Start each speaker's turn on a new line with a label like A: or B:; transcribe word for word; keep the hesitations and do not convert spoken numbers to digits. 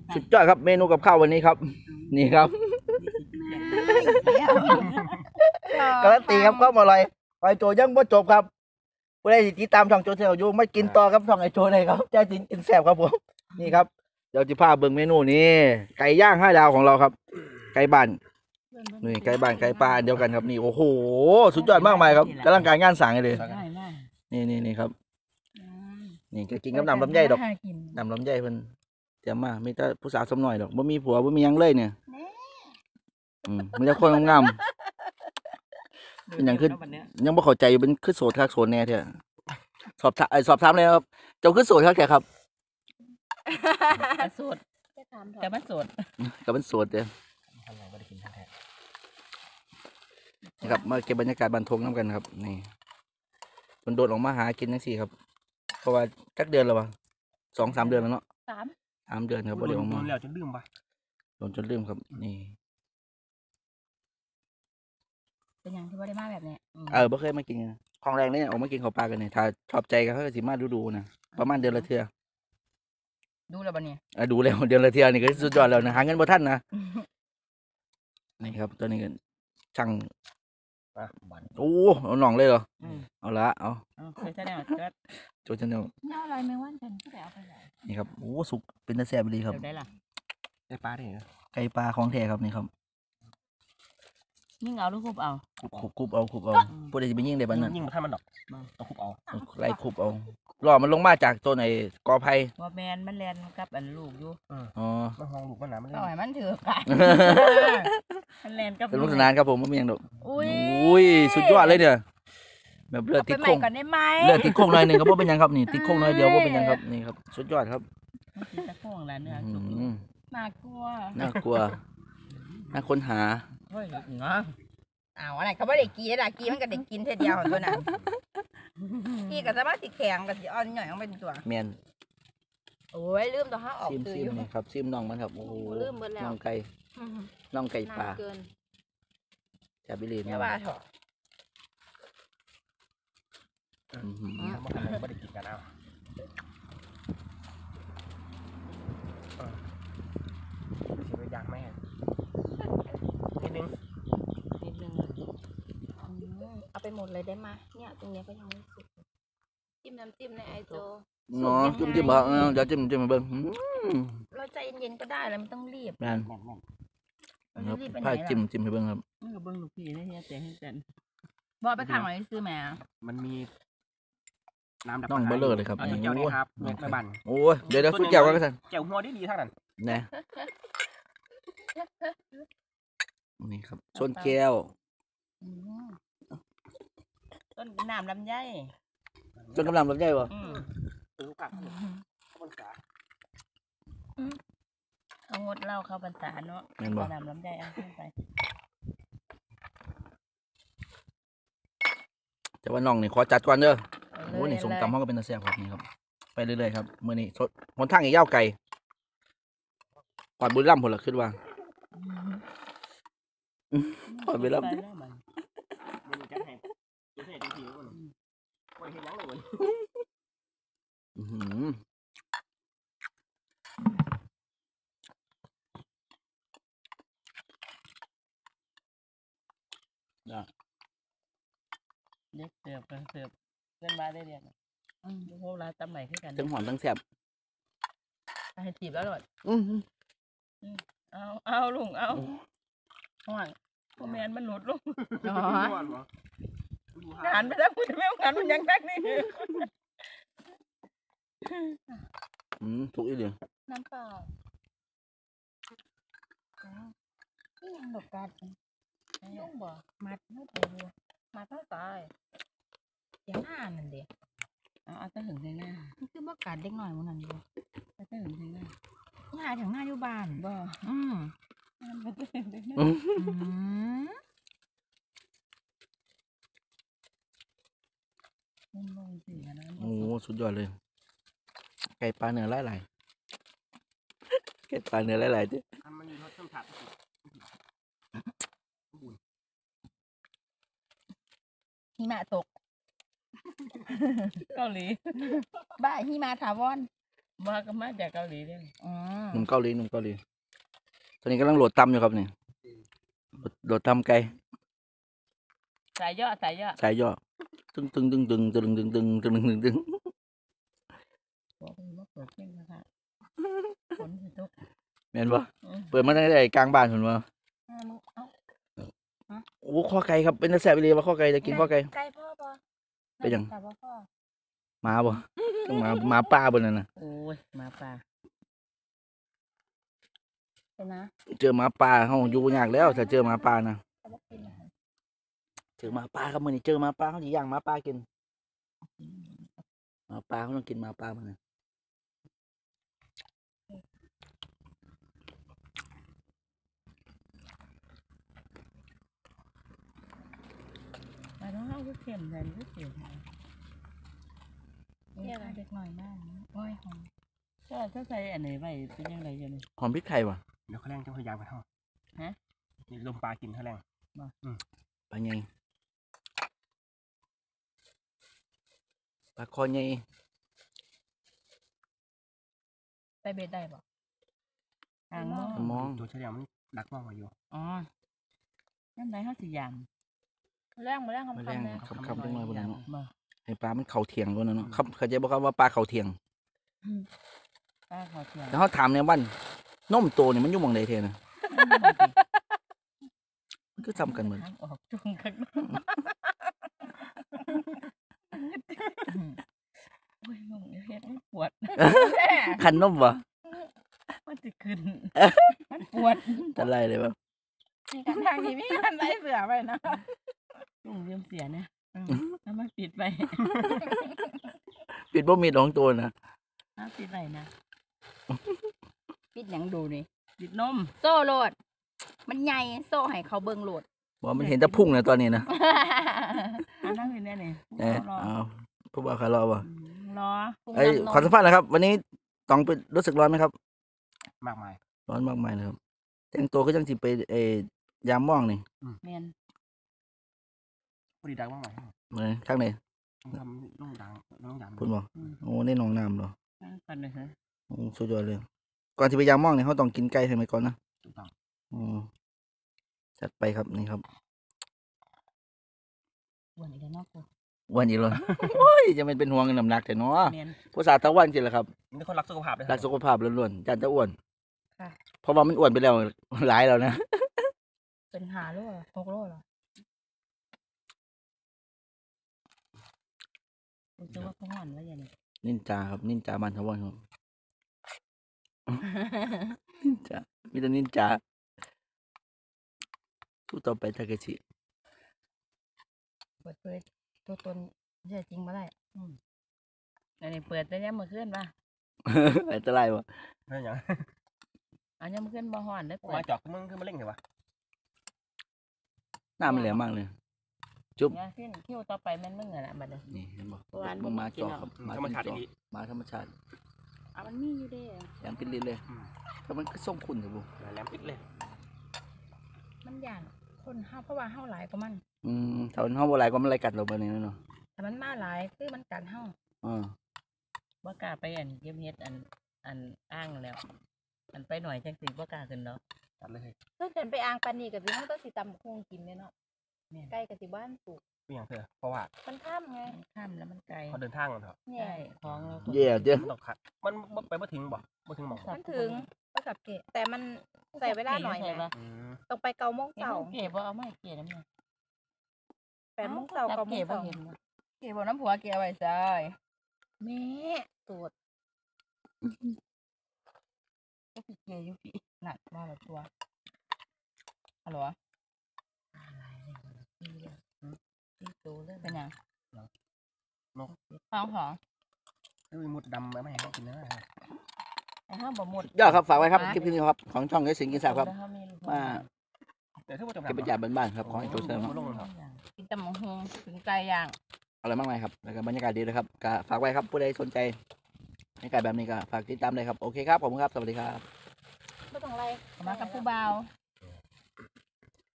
A: สุดยอดครับเมนูกับข้าววันนี้ครับนี่ครับการันตีครับก็อร่อยไปโจยังไม่จบครับผู้ใดติดตามช่องโจเซลอยู่ไม่กินต่อครับช่องไอโจเลยครับใจจริงกินแซ่บครับผมนี่ครับเดี๋ยวจะพาเบิ่งเมนูนี้ไก่ย่างห้าดาวของเราครับไก่บ้านนี่ไก่บ้านไก่ปลาเดียวกันครับนี่โอ้โหสุดยอดมากมายครับกำลังการงานสั่งเลยนี่นี่นี่ครับนี่จะกินกับน้ำลำไยดอกน้ำลำไยเพิ่นเตรียมมาไม่แต่ผู้สาวสมหน่อยดอกบ่มีผัวบ่มียังเลยเนี่ยอืมมีแต่คนงามเป็นอย่างขึ้นยังบ่เข้าใจอยู่เป็นขึ้นโสดคักโสดแน่เถอะสอบถามสอบถามเลยครับเจ้าขึ้นโสดคักแก่ครับ
B: โสดแต่มันโสด
A: กับมันโสดเด้อนี่ครับมาเก็บบรรยากาศบันทงน้ำกันครับนี่มันโดดออกมาหากินจังซี่ครับเพราะว่าจักเดือนแล้ววะสองสามเดือนแล้วเนาะ
B: สาม
A: สามเดือนครับบ่ได้ออกมา
C: โดนแล้วจนลืมปะ
A: โดนจนลืมครับนี่
B: เป็นอย่างที่ว่าได้มาแบบนี้
A: เออบ่เคยมากินของแรงเลยออกมากินข้าวปลากันเนี่ยถ้าชอบใจก็เขาสิมาดูดูนะประมาณเดือนละเทื่อ
B: ดูแล้วบ่เนี่ย
A: อ่ะดูแล้วเดือนละเทื่อนี่ก็สุดยอดแล้วนะหาเงินบ่ทันนะนี่ครับตัวนี้กันช่างโอ้เอาหน่องเลยเหรอเอาละเอา
B: เคยใช่แน่
A: โจชันเนล
B: น่าอะไรไม่ว่าฉันก็ไปเอาไปไหน
A: นี่ครับโอ้สุกเป็นตะแซ่บดีครับ
B: ได้ล่ะ
C: ไก่ปลาได้เหรอ
A: ไก่ปลาของแท้ครับนี่ครับ
B: ยิ่งเอาลูกคุบเอา
A: คุบคุบเอาคุบเอาพวกเด็กจะไปยิ่งได้บ้านนั้น
C: ยิ่งมาท่านมันดอกเอาคุบเอา
A: ไล่คุบเอารอมันลงมาจากต้นไอ้กอไผ่
B: ว่าแมนมันแลนกับอันลูกอยู่
A: อ๋อ
C: มันห้องลูกมันหนามัน
B: ต่อยมันถือกันมันแลนกับ
A: เป็นลูกสนานครับผมไม่มีอย่างดอก
B: อุ้
A: ยสุดยอดเลยเนี่ยแบบเลือดติดโค้งเลือดติดโค้งหน่อยหนึ่งครับว่าเป็นยังครับนี่ติดโค้งหน่อยเดียวว่าเป็นยังครับนี่ครับสุดยอดครับ
B: ติดโค้งแล้วเนื้อน่ากลัว
A: น่ากลัวน่าค้นหา
B: เฮ้ยเนาะอ้าวอะไรเขาไม่ได้กีได้กีมันก็ได้กินเท่าเดียวตัวนั้นกีก็สามารถติดแข็งกับอ่อนหน่อยมันเป็นตัว
A: แมน
B: โอ้ยลืมตัวห้าออก
A: ซิมซิมนี่ครับซิมน้องมันครับโอ้
B: ลืมหมดแล้ว
A: น้องไก่น้องไก่ปลาจะไปเรียน
B: เนี่ยว่าเถอะ
C: อืมไม่ได้กินกันเอาเออเสียยากไหมนิดนึง
B: นิดนึงเอาไปหมดเลยได้ไหมเนี่ยตรงนี้ก็ยังไม่สุกจิ้มน้ำจิ้มในไอโจ
A: เนาะจิ้มจิ้มแบบเดี๋ยวจิ้มจิ้มมาเบิ้ง
B: เราใจเย็นๆก็ได้แล้วไม่ต้องรีบ
A: นั่นผ้าจิ้มจิ้มให้เบิ้งครับ
B: เบิ้งลูกพี่นี่เนี่ยแต่ให้เต็นบอกไปขังไว้ซื้อแม่
C: มันมีน้ำดับ
A: น้องเบลเลอร์เลยครับ
C: เจ้านี่ครับแม่บัน
A: โอ้ยเดี๋ยวเดี๋ยวสุดแก้วกันสัน
C: แก้วหัวได้ดีทั้งนั้น
A: นะนี่ครับชนแก้ว
B: ต้นน้ำลำไย
A: ต้นกำลังลำไยบ่
B: เขางดเหล้าเข้าพรรษาเนาะน้ำลำไยเอาขึ้นไป
A: แต่ว่าน้องนี่ขอจัดก่อนเด้อโอ้นี่สมตำเขาก็เป็นตะแซ่บครับนี่ครับไปเรื่อยๆครับมื้อนี้สดหนทางอีกยาวไกลปอดบุรีรัมย์พุ่นล่ะคิดว่าปอดบุรีรัมย์อือ
B: จ้ะเด็กเสิร์ฟเสิร์ฟเพื่อนมาได้เรียนอืมพวกเราตำใหม่ขึ้นกัน
A: ทั้งหอมทั้งแซ่บ
B: ให้จีบแล้วหรอ
A: อือ
B: เอาเอาลุงเอาห่อนพ่อแมนมันหลุดลุงหันไปแล้วคุณไม่หันมันยังแตกนี่
A: อืมถูกอีกเดียว
B: น้ำเปล่าที่ยังดอกกัดยุ่งบ่มัดไม่ถูกมัดเท่าตายอย่างหน้านั่นเดียวเอาแต่ถึงหน้าคือบ่กัดเล็กหน่อยมันนั่นอยู่แต่ถึงหน้าหาถึงหน้าอยู่บ้านบ่อืมมันจะถึงหน้า
A: โอ้สุดยอดเลยไก่ปลาเนื้อหลายๆไก่ปลาเนื้อหลายๆจ้ะ
C: มันมีรสเครื่องผัด
B: หิมะตกเกาหลีบ้าหิมะถาวรมาก็มาจากเกาหลีเนี่ยอืม
A: หนุ่มเกาหลีหนุ่มเกาหลีตอนนี้กำลังโหลดตำอยู่ครับนี่โหลดโหลดตำไก่
B: สายย่อสายย่อ
A: สายย่อตึงตึงตึงตึงตึงตึงตึงตึงตึงตึง
B: บอกเลยว่าเปิดเพลงนะคะฝนสิตก
A: แม่นบ่เปิดมาตั้งแต่กลางบ้านผมว่า
B: อ่ามึงเอา
A: โอ้ข้อไก่ครับเป็นตาแซ่บไปเลยว่าข้อไก่จะกินข้อไก่
B: ไก่พ่อปะ
A: เป็นหยัง
B: แต่ว่าพ่อ
A: หมาบ่ต้องหมาหมาป่าบนนั้นน่ะ
B: โอ้ยหมาป่าเป็นนะ
A: เจอหมาป่าเฮาอยู่ยากแล้วถ้าเจอหมาป่านะ
B: แต่ว่ากินอาหาร
A: เจอหมาป่าครับมื้อนี้เจอหมาป่าเฮาสิย่างหมาป่ากินหมาป่าเฮาต้องกินหมาป่ามื้อนี้
B: แต่ต้องเอาลูกเข็มเลยลูกเข็มเนี่ยอะไรเด็กหน่อยมากโอ้ยหอมก็ถ้าใส่อันไหนไปเป็นยังไงอยู่นี่
A: หอมพริกไทยว่ะ
C: เดี๋ยวเขาแรงจะพยายามกันเท่า
B: ฮะ
C: นี่ลมปลากินเขาแรง
A: ปลาใหญ่ปลาคอใหญ่
B: ใส่เบ็ดได้ปะหางมอง
A: มอง
C: ตัวเฉลี่ยมันดักมองมาอยู่
B: อ๋อนั่นไรเขาสิยามแรงมาแรง
A: มา
B: คำ
A: แรง
B: คำเลย
A: คำๆจังหน่อยพุ่นน่ะเนาะ
B: บ่
A: ให้ปลามันเข้าเถียงพุ่นน่ะเนาะครับเข้าใจบ่ครับว่าปลาเข้าเถียง
B: ป้าขอเทียม
A: แต่เฮาถามในวันนมโตนี่มันอยู่หม่องใดแท้น่ะมันคือซ้ำกันเหมือน
B: ทางออกจุงกันโอ้ยมึงเฮ็ดมันปวด
A: คันนมบ่
B: มันจะขึ้นมันปวด
A: ตะไลเลยบ่
B: มีกันทางนี้มีกันไล่เสือไปนะลุงเริ่มเสียเนี่ยแล้วมันปิดไป
A: ปิดบ่มีดของตัวน่ะ
B: อ้าวปิดไหนนะปิดหยังดูนี่ปิดนมโซ่โหลด มันใหญ่โซ่ให้เขาเบิ่งโหลด
A: บ่มันเห็นแต่พุ่งน่ะตอนนี้นะ
B: อันนั้นคือเนี่ยนี่
A: เอ้ย
B: รอ
A: เอาผู้บ่าวคารอบ่
B: รอ
A: เอ้ยขอสัมภาษณ์นะครับ วันนี้ต้องไปรู้สึกร้อนไหมครับ
C: มากมาย
A: ร้อนมากมายเลยครับแต่งตัวก็จังสิไปเอ่ยามม่องนี่
B: แมน
C: พอดีดักมากมาย
A: เหมือนข้างไหน
C: ต้องทำต้องดังต้องดัง
A: พูดบ่
B: อืม
A: โอ้ในหนองน้ำเหรอ
B: กันเลยฮะ
A: โอ้สุดยอดเลย ก่อนที่ไปยามม่องเนี่ยเขาต้องกินไก่ใช่ไหมก่อนนะ
C: ถูกต้อง
A: อืมจัดไปครับนี่ครับ
B: วันอีกแล้วเนอกกู
A: อ้วันอีกแล้ว โอ้ยจะเป็นเป็นห่วงน้ำหนักแต่เนาะ
B: แมน
A: ผู้สาวตะวันจริงแหละครับ
C: นี่คนรักสุขภาพเลย
A: รักสุขภาพล้วนๆจันจะอ้วน
B: ค่ะ
A: เพราะว่ามันอ้วนไปแล้วหลายแล้วนะ
B: เป็นหาโลเหรอหกโลเหรอรู้สึกว่าเขาห่อนแล้วยังไง
A: นินจาครับนินจาบันทวันครับ นินจามีแต่นินจาสู้ต่อไปทาเกชิ
B: เปิดเผยตัวตนแท้จริงมาได้อืมอันนี้เปิดแต่ยังมือขึ้นป่ะ
A: อันตรายวะ
C: นั่นอย่าง
B: อันยังมือขึ้นบ่ห่อนได้เปิ
C: มา
B: ด
C: จอกมึงคือมาเล่งเหรอวะ
A: หน้ามันแหลมมากเลย
B: เนี่ยขึ้นเที่ยวต่อไปแม่นมึงอะนะบัดนี้
A: นี่เห็นบ่
B: ตัวอัน
A: มันมา
B: กิน
A: จอ
B: เอา
A: ครับ
C: ธรรมชาติ
A: จอ
C: ดี
A: มาธรรมชาติ
B: อ่ะมันมีอยู่เด้
A: แหลมเป็นลิ้นเลยแต่มันก็ส่งคุณเถอะบุ
C: แหลมปิดเลย
B: มันย่านคนเฮาเพราะว่าเฮาหลายกว่ามัน
A: อืมถ้ามันเฮาบ่หลายก็มันไล่กัดเราบัดนี้เนาะ
B: แต่มันมาหลายคือมันกัดเฮา
A: อ่า
B: บ่กล้าไปอันเก็บเฮ็ดอันอันอ้างแล้ว อันไปหน่อยจังสิบ่กล้าขึ้นเนาะ
C: ตัดเลย
D: ถ้าเกิดไปอ่างปานนีกับสิมันก็สิตำบักคงกินเนี่ยเนาะ
B: แม่น
D: ใกล้กับสิบ้านปลูก
C: ไม่อย่างเธอเพราะว่า
D: มันข้ามไง
B: มันข้ามแล้วมันไกล
C: เขาเดินทางกันเถอะ
D: เนี่ย
B: ใช่ของเราก็
A: เย่เด้อ
C: มันต้องขัดมันบ่ไปไม่ถึงบ่ไม่ถึงหมอง
D: มันถึงก็กับเกะแต่มันใส่เวลาหน่อย
B: ใช่
D: ไง
B: ปะ
C: อืม
D: ต้องไปเกาโมง
B: เก่า
D: เสา
B: เก็บบ่เอาไม่เก็บน้ำเนี่ย
D: แปดโมงเสาเกาโม
B: เก็
D: ง
B: บบ่
D: เสา
B: เห็นบ่เก็บบ่น้ำผัวเก็บไว้ซอย
D: แม่ตูด
B: ก็สิเก็บอยู่พี่หนักมาแล้วตัวฮัลโหลอะไรเนี่ยตีโตเลยเป็นหยัง
C: นก
B: ฟังของ
C: เอ้ยมุดดำไม่ให้เขากินนะ
B: ไอ้ห้ามบ่หมด
A: ยอดครับฝากไว้ครับคลิปนี้ครับของช่องเอสิงกินแซ่บครับมา
C: เดี๋ยวถ้าว่าจะ
A: เก็บบรรยากาศบ้านๆครับของไอ้โจเซอร์
C: ลงเลยครับ
B: กินตำบักหุ่งถึงไก่ย่าง
A: อะไรมากมายครับแล้วก็บรรยากาศดีนะครับก็ฝากไว้ครับผู้ใดสนใจบรรยากาศแบบนี้ก็ฝากติดตามเลยครับโอเคครับผมครับสวัสดีครับ
D: ไม่ต้องไร
B: มากับผู้บ่าว